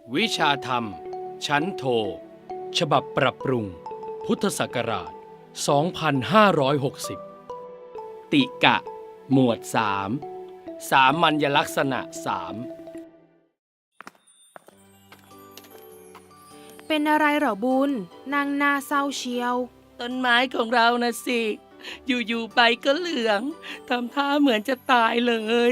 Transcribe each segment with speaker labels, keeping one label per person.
Speaker 1: วิชาธรรม ชั้นโท ฉบับปรับปรุง พุทธศักราช 2560 ติกะ หมวด 3 สามัญลักษณะ
Speaker 2: เป็นอะไรเหรอบุญนางหน้าเศร้าเชียว
Speaker 3: ต้นไม้ของเรานะสิ อยู่ๆใบก็เหลืองทำท่าเหมือนจะตายเลย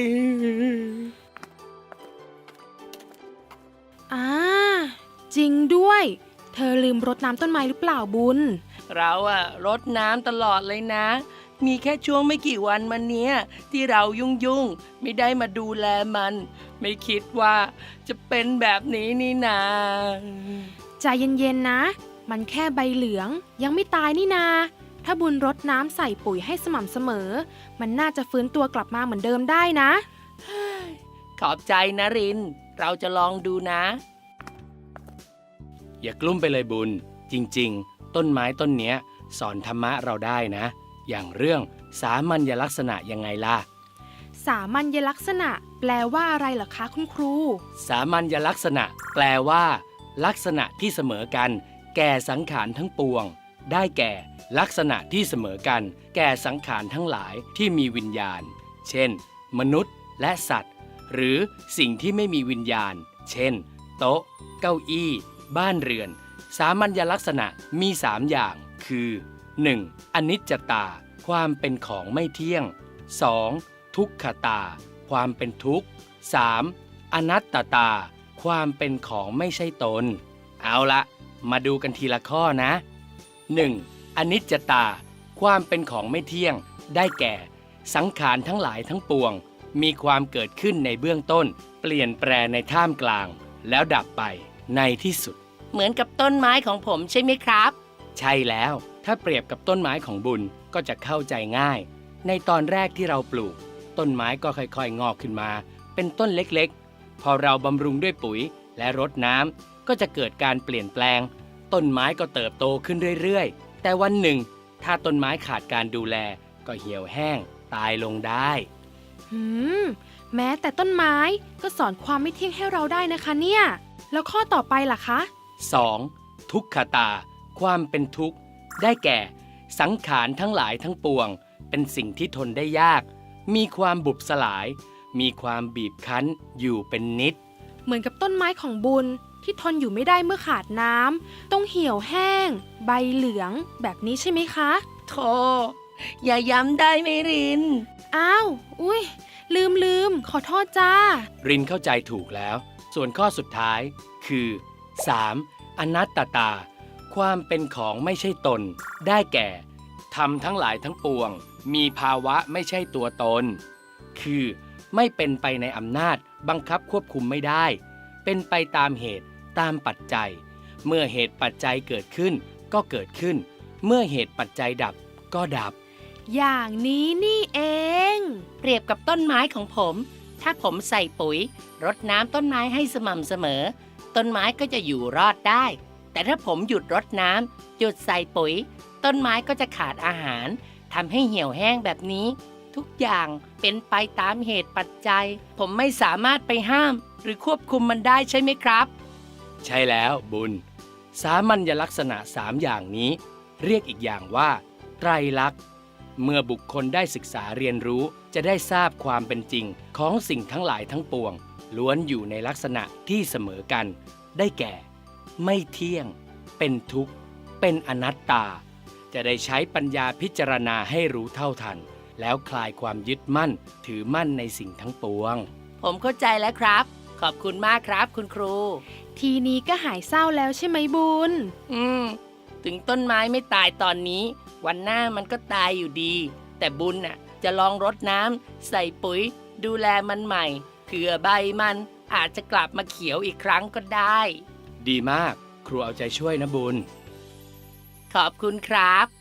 Speaker 2: จริงด้วย เธอลืมรดน้ำต้นไม้หรือเปล่าบุญ
Speaker 3: เรารดน้ำตลอดเลยนะ มีแค่ช่วงไม่กี่วันมาเนี้ยที่เรายุ่งๆไม่ได้มาดูแลมัน ไม่คิดว่าจะเป็นแบบนี้นี่นา
Speaker 2: ใจเย็นๆนะ มันแค่ใบเหลืองยังไม่ตายนี่นา ถ้าบุญรดน้ำใส่ปุ๋ยให้สม่ำเสมอ มันน่าจะฟื้นตัวกลับมาเหมือนเดิมได้นะ
Speaker 3: ขอบใจนะริน เราจะลองดูนะ
Speaker 1: อย่ากลุ้มไปเลยบุญ จริงๆ ต้นไม้ต้นเนี้ยสอนธรรมะเราได้นะ อย่างเรื่องสามัญลักษณะยังไงล่ะ
Speaker 2: สามัญลักษณะ แปลว่าอะไรเหรอคะคุณครู
Speaker 1: สามัญลักษณะ แปลว่า ลักษณะที่เสมอกัน แก่สังขารทั้งปวง ได้แก่ ลักษณะที่เสมอกัน แก่สังขารทั้งหลายที่มีวิญญาณ เช่น มนุษย์และสัตว์ หรือสิ่งที่ไม่มีวิญญาณ เช่น โต๊ะ เก้าอี้ บ้านเรือน สามัญลักษณะมี 3 อย่าง คือ 1. อนิจจตา ความเป็นของไม่เที่ยง 2. ทุกขตา ความเป็นทุกข์ 3. อนัตตตา ความเป็นของไม่ใช่ตน เอาละมาดูกันทีละข้อนะ 1. อนิจจตา ความเป็นของไม่เที่ยง ได้แก่ สังขารทั้งหลายทั้งปวง มีความเกิดขึ้นในเบื้องต้น เปลี่ยนแปรในท่ามกลาง แล้วดับไปในที่สุด
Speaker 3: เหมือนกับต้นไม้ของผมใช่ไหมครับ
Speaker 1: ใช่แล้ว ถ้าเปรียบกับต้นไม้ของบุญก็จะเข้าใจง่าย ในตอนแรกที่เราปลูก ต้นไม้ก็ค่อยๆงอกขึ้นมา เป็นต้นเล็กๆ พอเราบำรุงด้วยปุ๋ยและรดน้ำก็จะเกิดการเปลี่ยนแปลง ต้นไม้ก็เติบโตขึ้นเรื่อยๆ แต่วันหนึ่ง ถ้าต้นไม้ขาดการดูแลก็เหี่ยวแห้ง ตายลงได้
Speaker 2: แม้แต่ต้นไม้ก็สอนความไม่เที่ยงให้เราได้นะคะเนี่ย แล้วข้อต่อไปล่ะคะ
Speaker 1: 2. ทุกขตา ความเป็นทุกข์ ได้แก่ สังขารทั้งหลายทั้งปวง เป็นสิ่งที่ทนได้ยาก มีความบุบสลาย มีความบีบคั้นอยู่เป็นนิด
Speaker 2: เหมือนกับต้นไม้ของบุญที่ทนอยู่ไม่ได้เมื่อขาดน้ำต้องเหี่ยวแห้ง ใบเหลืองแบบนี้ใช่ไหมคะ
Speaker 3: โธ่อย่าย้ำได้ไหมริน
Speaker 2: อ้าว อุ้ยลืม ขอโทษจ้า
Speaker 1: รินเข้าใจถูกแล้ว ส่วนข้อสุดท้าย คือ 3. อนัตตตา ความเป็นของไม่ใช่ตน ได้แก่ธรรมทั้งหลายทั้งปวง มีภาวะไม่ใช่ตัวตน คือไม่เป็นไปในอำนาจบังคับควบคุมไม่ได้ เป็นไปตามเหตุตามปัจจัย เมื่อเหตุปัจจัยเกิดขึ้นก็เกิดขึ้น เมื่อเหตุปัจจัยดับก็ดับ
Speaker 2: อย่างนี้นี่เอง
Speaker 3: เปรียบกับต้นไม้ของผม ถ้าผมใส่ปุ๋ย รดน้ำต้นไม้ให้สม่ำเสมอ ต้นไม้ก็จะอยู่รอดได้ แต่ถ้าผมหยุดรดน้ำหยุดใส่ปุ๋ย ต้นไม้ก็จะขาดอาหารทำให้เหี่ยวแห้งแบบนี้ ทุกอย่างเป็นไปตามเหตุปัจจัย ผมไม่สามารถไปห้าม หรือควบคุมมันได้ใช่ไหมครับ
Speaker 1: ใช่แล้วบุญ สามัญลักษณะ 3 อย่างนี้ เรียกอีกอย่างว่า ไตรลักษณ์ เมื่อบุคคลได้ศึกษาเรียนรู้จะได้ทราบความเป็นจริงของสิ่งทั้งหลายทั้งปวง ล้วนอยู่ในลักษณะที่เสมอกัน ได้แก่ ไม่เที่ยง เป็นทุกข์ เป็นอนัตตา จะได้ใช้ปัญญาพิจารณาให้รู้เท่าทัน แล้วคลายความยึดมั่นถือมั่นในสิ่งทั้งปวง
Speaker 3: ผมเข้าใจแล้วครับ ขอบคุณมากครับคุณครู
Speaker 2: ทีนี้ก็หายเศร้าแล้วใช่ไหมบุญ
Speaker 3: ถึงต้นไม้ไม่ตายตอนนี้ วันหน้ามันก็ตายอยู่ดี แต่บุญจะลองรดน้ำใส่ปุ๋ย ดูแลมันใหม่เผื่อใบมันอาจจะกลับมาเขียวอีกครั้งก็ได้
Speaker 1: ดีมาก ครูเอาใจช่วยนะบุญ
Speaker 3: ขอบคุณครับ